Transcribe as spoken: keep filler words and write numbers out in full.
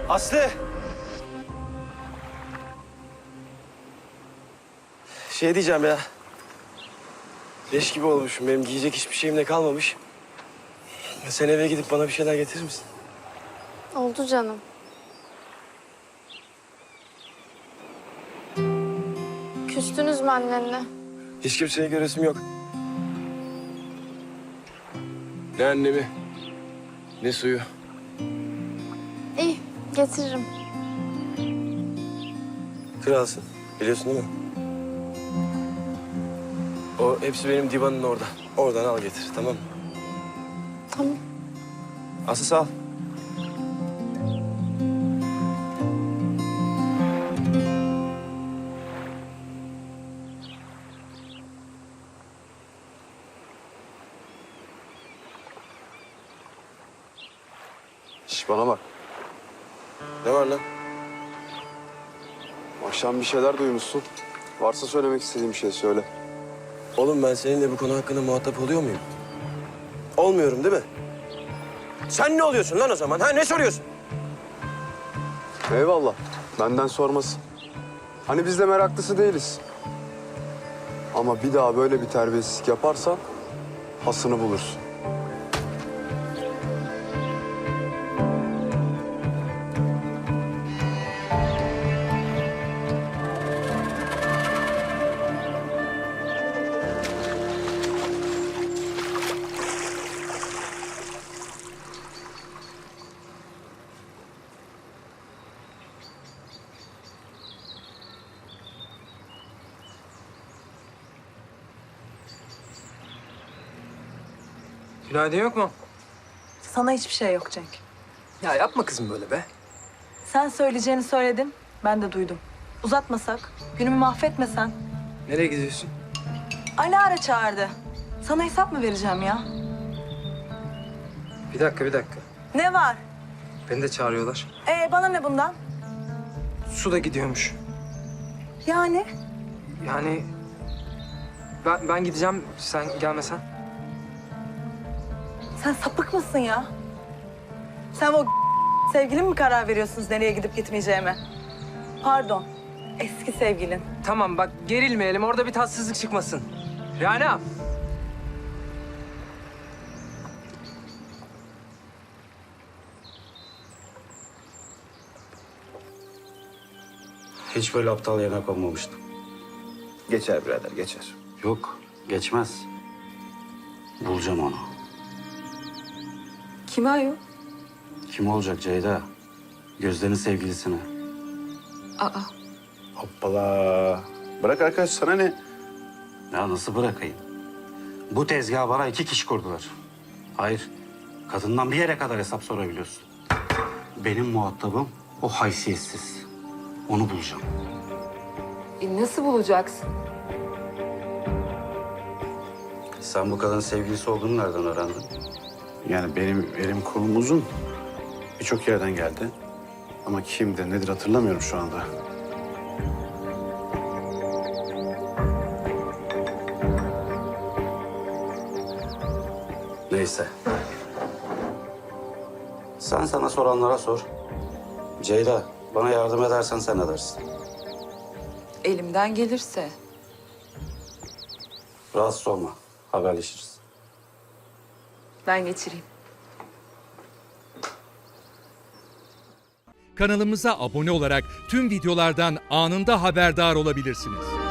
Aslı! Şey diyeceğim ya. Leş gibi olmuşum. Benim giyecek hiçbir şeyim de kalmamış. Sen eve gidip bana bir şeyler getirir misin? Oldu canım. Küstünüz mü annenle? Hiç kimseye göresim yok. Ne annemi, ne suyu. İyi, getiririm. Kralsın. Biliyorsun değil mi? O hepsi benim divanın orada. Oradan al getir, tamam mı? Tamam. Aslı sağ ol. Şş, bana bak. Ne var lan? Akşam bir şeyler duymuşsun. Varsa söylemek istediğim bir şey söyle. Oğlum ben seninle bu konu hakkında muhatap oluyor muyum? Olmuyorum değil mi? Sen ne oluyorsun lan o zaman? Ha ne soruyorsun? Eyvallah. Benden sorması. Hani biz de meraklısı değiliz. Ama bir daha böyle bir terbiyesizlik yaparsan hasını bulursun. Günaydın yok mu? Sana hiçbir şey yok Cenk. Ya yapma kızım böyle be. Sen söyleyeceğini söyledin, ben de duydum. Uzatmasak, günümü mahvetmesen. Nereye gidiyorsun? Alara çağırdı. Sana hesap mı vereceğim ya? Bir dakika, bir dakika. Ne var? Beni de çağırıyorlar. Ee, bana ne bundan? Su da gidiyormuş. Yani? Yani ben, ben gideceğim, sen gelmesen. Sen sapık mısın ya? Sen o sevgilin mi karar veriyorsunuz nereye gidip gitmeyeceğime? Pardon, eski sevgilin. Tamam bak gerilmeyelim, orada bir tatsızlık çıkmasın. Rana. Hiç böyle aptal yerine konmamıştım. Geçer birader, geçer. Yok, geçmez. Bulacağım onu. Kime ayol? Kim olacak Ceyda? Gözde'nin sevgilisine. Aa. Hoppala. Bırak arkadaş, sana ne? Ya nasıl bırakayım? Bu tezgahı bana iki kişi kurdular. Hayır, kadından bir yere kadar hesap sorabiliyorsun. Benim muhatabım o haysiyetsiz. Onu bulacağım. E nasıl bulacaksın? Sen bu kadının sevgilisi olduğunu nereden öğrendin? Yani benim elim kolum uzun. Birçok yerden geldi. Ama kimdir, nedir hatırlamıyorum şu anda. Neyse. Sen sana soranlara sor. Ceyda, bana yardım edersen sen edersin. Elimden gelirse. Rahatsız olma. Haberleşiriz. Ben geçireyim. Kanalımıza abone olarak tüm videolardan anında haberdar olabilirsiniz.